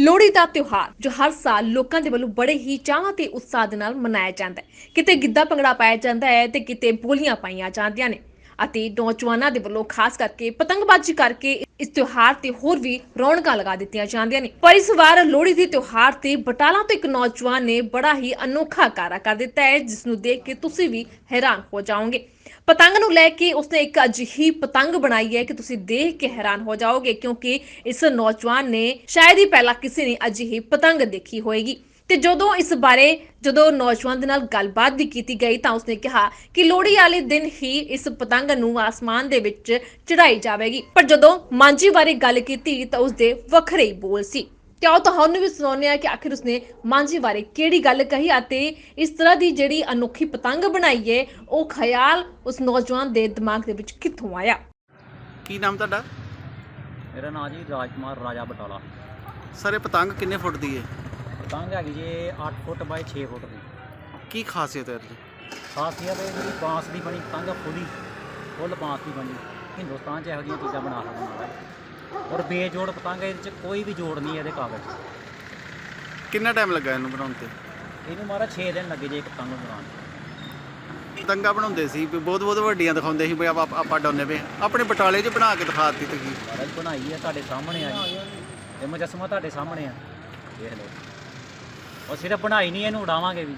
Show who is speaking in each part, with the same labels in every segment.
Speaker 1: ਲੋਹੜੀ ਦਾ ਤਿਉਹਾਰ ਜੋ ਹਰ ਸਾਲ ਲੋਕਾਂ ਦੇ ਵੱਲੋਂ ਬੜੇ ਹੀ ਚਾਅ ਤੇ ਉਤਸ਼ਾਹ ਦੇ ਨਾਲ ਮਨਾਇਆ ਜਾਂਦਾ ਹੈ। ਕਿਤੇ ਗਿੱਧਾ ਭੰਗੜਾ ਪਾਇਆ ਜਾਂਦਾ ਹੈ ਤੇ ਕਿਤੇ ਬੋਲੀਆਂ ਪਾਈਆਂ ਜਾਂਦੀਆਂ ਨੇ ਅਤੇ ਨੌਜਵਾਨਾਂ ਦੇ ਵੱਲੋਂ ਖਾਸ ਕਰਕੇ ਪਤੰਗਬਾਜ਼ੀ ਕਰਕੇ ਇਸ ਤਿਉਹਾਰ ਤੇ ਹੋਰ ਵੀ ਰੌਣਕਾਂ ਲਗਾ ਦਿੱਤੀਆਂ ਜਾਂਦੀਆਂ ਨੇ। ਪਰ ਇਸ ਵਾਰ ਲੋਹੜੀ ਦੇ ਤਿਉਹਾਰ ਤੇ ਬਟਾਲਾ ਤੋਂ ਇੱਕ ਨੌਜਵਾਨ ਨੇ ਬੜਾ ਹੀ ਅਨੋਖਾ ਕਾਰਾ ਕਰ ਦਿੱਤਾ ਹੈ, ਜਿਸ ਨੂੰ ਦੇਖ ਕੇ ਤੁਸੀਂ ਵੀ ਹੈਰਾਨ ਹੋ ਜਾਓਗੇ। ਪਤੰਗ ਨੂੰ ਲੈ ਕੇ ਉਸਨੇ ਇੱਕ ਅਜਿਹੀ ਪਤੰਗ ਬਣਾਈ ਹੈ ਕਿ ਤੁਸੀਂ ਦੇਖ ਕੇ ਹੈਰਾਨ ਹੋ ਜਾਓਗੇ, ਕਿਉਂਕਿ ਇਸ ਨੌਜਵਾਨ ਨੇ ਸ਼ਾਇਦ ਹੀ ਪਹਿਲਾਂ ਕਿਸੇ ਨੇ ਅਜਿਹੀ ਪਤੰਗ ਦੇਖੀ ਹੋਏਗੀ। ਤੇ ਜਦੋਂ ਨੌਜਵਾਨ ਦੇ ਨਾਲ ਗੱਲਬਾਤ ਵੀ ਕੀਤੀ ਗਈ ਤਾਂ ਉਸਨੇ ਕਿਹਾ ਕਿ ਲੋਹੜੀ ਵਾਲੇ ਦਿਨ ਹੀ ਇਸ ਪਤੰਗ ਨੂੰ ਆਸਮਾਨ ਦੇ ਵਿੱਚ ਚੜਾਈ ਜਾਵੇਗੀ। ਪਰ ਜਦੋਂ ਮਾਂਝੀ ਬਾਰੇ ਗੱਲ ਕੀਤੀ ਤਾਂ ਉਸਦੇ ਵੱਖਰੇ ਹੀ ਬੋਲ ਸੀ। ਤੇ ਆਓ ਤੁਹਾਨੂੰ ਵੀ ਸੁਣਾਉਂਦੇ ਹਾਂ ਕਿ ਆਖਿਰ ਉਸਨੇ ਮਾਂਝੀ ਬਾਰੇ ਕਿਹੜੀ ਗੱਲ ਕਹੀ ਅਤੇ ਇਸ ਤਰ੍ਹਾਂ ਦੀ ਜਿਹੜੀ ਅਨੋਖੀ ਪਤੰਗ ਬਣਾਈ ਹੈ ਉਹ ਖਿਆਲ ਉਸ ਨੌਜਵਾਨ ਦੇ ਦਿਮਾਗ ਦੇ ਵਿੱਚ ਕਿੱਥੋਂ ਆਇਆ।
Speaker 2: ਕੀ ਨਾਮ ਤੁਹਾਡਾ?
Speaker 3: ਮੇਰਾ ਨਾਮ ਜੀ ਰਾਜਕੁਮਾਰ ਰਾਜਾ ਬਟਾਲਾ।
Speaker 2: ਸਰ ਇਹ ਪਤੰਗ ਕਿੰਨੇ ਫੁੱਟ ਦੀ ਹੈ?
Speaker 3: ਪਤੰਗ ਹੈਗੀ ਜੀ 8 ਫੁੱਟ ਬਾਈ 6 ਫੁੱਟ ਦੀ।
Speaker 2: ਕੀ ਖਾਸੀਅਤ ਹੈ ਇਹਦੀ?
Speaker 3: ਖਾਸੀਅਤ ਇਹ ਜਿਹੜੀ ਬਾਂਸ ਦੀ ਬਣੀ ਪਤੰਗ ਫੁੱਲ ਬਾਂਸ ਦੀ ਬਣੀ। ਹਿੰਦੁਸਤਾਨ 'ਚ ਇਹੋ ਜਿਹੀਆਂ ਚੀਜ਼ਾਂ ਬਣਾ ਸਕਦਾ ਔਰ ਬੇਜੋੜ ਪਤੰਗ, ਇਹਦੇ 'ਚ ਕੋਈ ਵੀ ਜੋੜ ਨਹੀਂ ਇਹਦੇ ਕਾਗਜ਼ 'ਚ।
Speaker 2: ਕਿੰਨਾ ਟਾਈਮ ਲੱਗਾ ਇਹਨੂੰ ਬਣਾਉਣ ਤੇ?
Speaker 3: ਇਹਨੂੰ ਮਾਰਾ 6 ਦਿਨ ਲੱਗੇ ਜੇ ਇੱਕ ਪਤੰਗ ਨੂੰ ਬਣਾਉਣ 'ਚ।
Speaker 2: ਪਤੰਗਾਂ ਬਣਾਉਂਦੇ ਸੀ ਵੀ ਬਹੁਤ ਵੱਡੀਆਂ ਦਿਖਾਉਂਦੇ ਸੀ ਵੀ ਆਪਾਂ ਡਾਉਂਦੇ ਪਏ। ਆਪਣੇ ਬਟਾਲੇ 'ਚ ਬਣਾ ਕੇ ਦਿਖਾ ਦਿੱਤੀ ਤੁਸੀਂ।
Speaker 3: ਮਹਾਰਾਜ ਬਣਾਈ ਹੈ ਤੁਹਾਡੇ ਸਾਹਮਣੇ ਆ ਜੀ, ਇਹ ਮੁਜੱਸਮਾ ਤੁਹਾਡੇ ਸਾਹਮਣੇ ਆ, ਦੇਖ ਲਓ। ਉਹ ਸਿਰਫ ਬਣਾਈ ਨਹੀਂ, ਇਹਨੂੰ ਉਡਾਵਾਂਗੇ ਵੀ।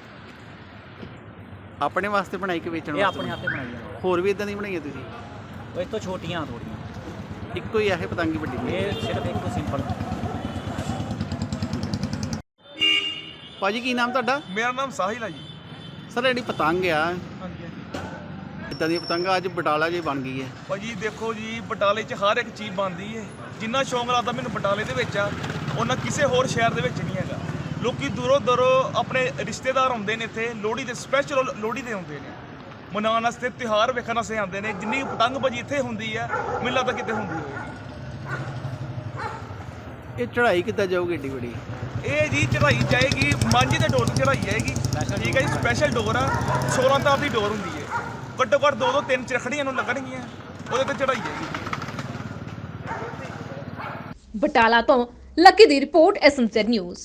Speaker 2: ਆਪਣੇ ਵਾਸਤੇ ਬਣਾਈ ਕਿ ਵੇਚਣ
Speaker 3: ਇਹ
Speaker 2: ਵਾਸਤੇ?
Speaker 3: ਆਪਣੇ ਹੱਥੇ ਬਣਾਈ ਹੈ।
Speaker 2: ਹੋਰ ਵੀ ਇਦਾਂ ਦੀ ਬਣਾਈਆਂ ਤੁਸੀਂ?
Speaker 3: ਉਹ ਇਸ ਤੋਂ ਛੋਟੀਆਂ ਥੋੜੀਆਂ,
Speaker 2: ਇੱਕੋ ਹੀ ਇਹ ਪਤੰਗੀ ਵੱਡੀ?
Speaker 3: ਇਹ ਸਿਰਫ ਇੱਕ ਸਿੰਪਲ।
Speaker 2: ਭਾਜੀ ਕੀ ਨਾਮ ਤੁਹਾਡਾ?
Speaker 4: ਮੇਰਾ ਨਾਮ ਸਾਹਿਲ ਹੈ ਜੀ।
Speaker 2: ਸਰ ਜਿਹੜੀ ਪਤੰਗ ਆ
Speaker 4: ਹਾਂਜੀ ਹਾਂਜੀ
Speaker 2: ਇਦਾਂ ਦੀਆਂ ਪਤੰਗਾਂ ਅੱਜ ਬਟਾਲਾ 'ਚ ਬਣ ਗਈ ਹੈ।
Speaker 4: ਭਾਜੀ ਦੇਖੋ ਜੀ, ਬਟਾਲੇ 'ਚ ਹਰ ਇੱਕ ਚੀਜ਼ ਬਣਦੀ ਹੈ। ਜਿੰਨਾ ਸ਼ੌਂਕ ਲੱਗਦਾ ਮੈਨੂੰ ਬਟਾਲੇ ਦੇ ਵਿੱਚ ਆ, ਉਹਨਾਂ ਕਿਸੇ ਹੋਰ ਸ਼ਹਿਰ ਦੇ ਵਿੱਚ ਨਹੀਂ ਹੈਗਾ। ਲੋਕੀ ਦੂਰੋਂ ਆਪਣੇ ਰਿਸ਼ਤੇਦਾਰ ਆਉਂਦੇ ਨੇ ਇੱਥੇ ਲੋਹੜੀ ਦੇ, ਸਪੈਸ਼ਲ ਲੋਹੜੀ ਦੇ ਆਉਂਦੇ ਨੇ ਮਨਾਉਣ ਵਾਸਤੇ, ਤਿਉਹਾਰ ਵੇਖਣ ਵਾਸਤੇ ਆਉਂਦੇ ਨੇ। ਜਿੰਨੀ ਪਤੰਗਬਾਜ਼ੀ ਇੱਥੇ ਹੁੰਦੀ ਆ ਮੈਨੂੰ ਲੱਗਦਾ ਕਿਤੇ ਹੁੰਦੀ ਹੋਵੇਗੀ।
Speaker 2: ਇਹ ਚੜ੍ਹਾਈ ਕਿੱਦਾਂ ਜਾਊਗੀ ਏਡੀ ਵੱਡੀ?
Speaker 4: ਇਹ ਜੀ ਚੜਾਈ ਜਾਏਗੀ ਮਾਂਝੀ ਦੇ ਡੋਰ ਤੇ ਚੜਾਈ ਜਾਏਗੀ। ਠੀਕ ਹੈ ਜੀ, ਸਪੈਸ਼ਲ ਡੋਰ ਆ, 16 ਤਾਰ ਦੀ ਡੋਰ ਹੁੰਦੀ ਹੈ। ਘੱਟੋ ਘੱਟ 2-3 ਚਰਖੜੀਆਂ ਨੂੰ ਲੱਗਣਗੀਆਂ, ਉਹਦੇ ਤੇ ਚੜਾਈ ਜਾਏਗੀ।
Speaker 1: ਬਟਾਲਾ ਤੋਂ ਲੱਕੀ ਦੀ ਰਿਪੋਰਟ, ਐਸਐਮਜ਼ੈਡ ਨਿਊਜ਼।